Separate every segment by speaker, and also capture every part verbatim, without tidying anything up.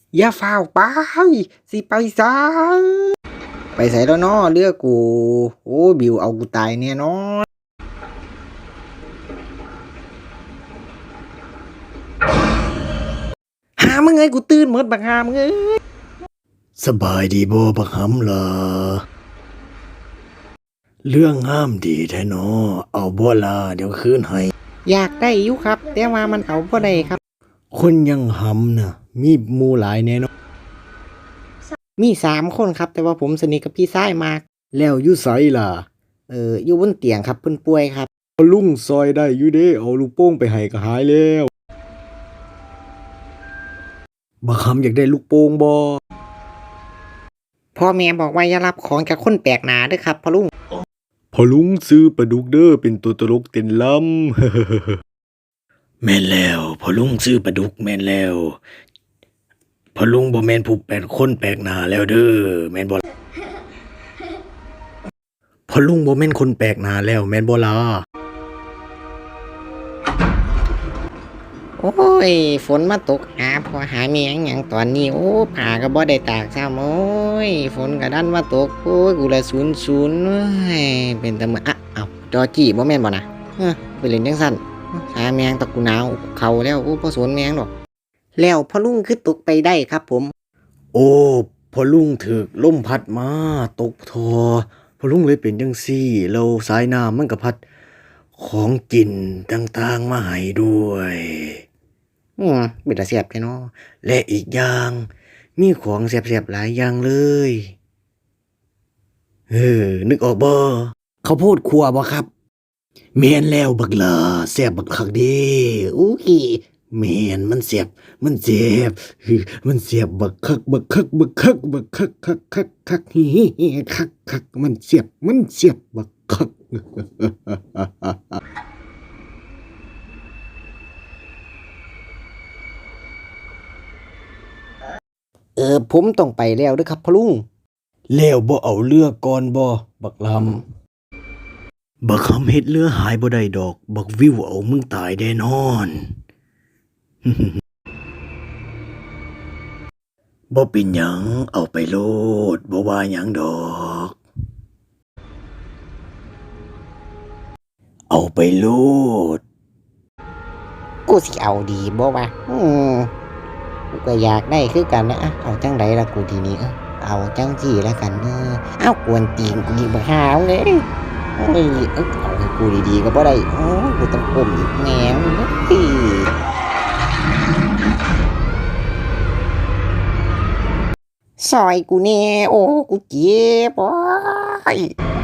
Speaker 1: อย่าฝ้าวไปสิไปซะไปใส่แล้วเนาะเลือกกูโอ้บิวเอากูตายแน่นอนหามึงไงกูตื่นหมดบักหามึงเอ้ย
Speaker 2: สบายดีบ่บักหำล่ะเรื่องงามดีแท้เนาะเอาบ่ล่ะเดี๋ยวคืนให้
Speaker 1: อยากได้อยู่ครับแต่ว่ามันเอาบ่ได้ครับ
Speaker 2: คนยังหำน่ะมีหมู่หลายแน่เนาะ
Speaker 1: มีสามคนครับแต่ว่าผมสนิทกับพี่ชายมาก
Speaker 2: แล้วอยู่ไสล่ะ
Speaker 1: เอออยู่บนเตียงครับเพิ่นป่วยครับ
Speaker 2: ลุงซอยได้อยู่เด้เอาลูกโป่งไปให้ก็หายแล้วบักหำอยากได้ลูกโป่งบ่
Speaker 1: พ่อแม่บอกว่าอย่ารับของจากคนแปลกหน้าเด้อครับพ่อลุง
Speaker 2: พอลุงซื้อปลาดุกเด้อเป็นตัวตลกเต้นลำ แม่นแล้วพอลุงซื้อปลาดุกแม่นแล้วพอลุงบ่แม่นผู้แปลกคนแปลกหน้าแล้วเด้อแม่นบ่พอลุงบ่แม่นคนแปลกหน้าแล้วแม่นบ่ล่ะ
Speaker 1: โอ้ยฝนมาตกหาพอหาเมียงหยังตอนนี้โอ้ผ้าก็บ่ได้ตากซ้ำโอ้ยฝนก็ดันมาตกโอ้ยกูละศูนย์ศูนย์เอ้ยเป็นตะมื้ออ่ะเอ้าจอจี้บ่แม่นบ่น่ะเออไปเล่นจังซั่นหาเมียงตะกูหนาวเข้าแล้วโอ้บ่สนเมียงดอกแล้วพ่อลุงคือตกไปได้ครับผม
Speaker 2: โอ้พอลุงถูกลมพัดมาตกท่อพอลุงเลยเป็นจังซี่แล้วสายน้ำมันก็พัดของกินต่างๆมาให้ด้วย
Speaker 1: อืมเป็นตาเสียบแท้เนาะ
Speaker 2: และอีกอย่างมีของแซ่บๆหลายอย่างเลยเออนึกออกบ่ข้าวโพดคั่วบ่ครับแม่นแล้วบักหล่าแซ่บบักคักเด้อู้ยแม่นมันแซ่บมันแซ่บมันแซ่บบักคักบักคักบักคักบักคักคักคักคักฮิฮิคักคักมันแซ่บมันแซ่บบักคัก
Speaker 1: เออผมต้องไปแล้วเด้อครับพ่อลุง
Speaker 2: แล้วบ่เอาเรือก่อนบ่บักลำบักคำเฮ็ดเรือหายบ่ได้ดอกบักวิวเอามึงตายแน่นอนบ่เป็นหยังเอาไปโลดบ่ว่าหยังดอกเอาไปโลด
Speaker 1: กูสิเอาดีบ่วะอืมกูก็อยากได้คือกันนะเอาจังไดล่ะกูทีนี้เออเอาจังสี่แล้วกันเออเอากวนตีนกูดีบ่หาวเลยเอ้ยเอ้เอาให้กูดีๆก็บ่ได้โอ้กูต้องก้มอีกแหนวเลยซอยกูแน่โอ้กูเจ็บโอ้ย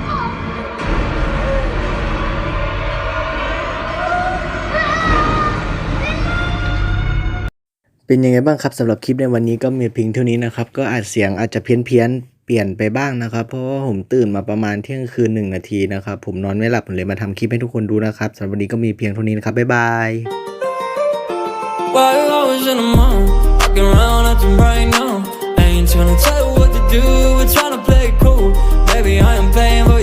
Speaker 2: เป็นยังไงบ้างครับสำหรับคลิปในวันนี้ก็มีเพียงเท่านี้นะครับก็อาจเสียงอาจจะเพี้ยนเพียนเปลี่ยนไปบ้างนะครับเพราะว่าผมตื่นมาประมาณเที่ยงคืนหนึ่งนาทีนะครับผมนอนไม่หลับผมเลยมาทำคลิปให้ทุกคนดูนะครับสำหรับวันนี้ก็มีเพียงเท่านี้นะครับบ๊ายบายWhile I was in the mall, walking around acting right now. I ain't tryna tell you what to do, we're tryna play it cool. Baby, I am paying.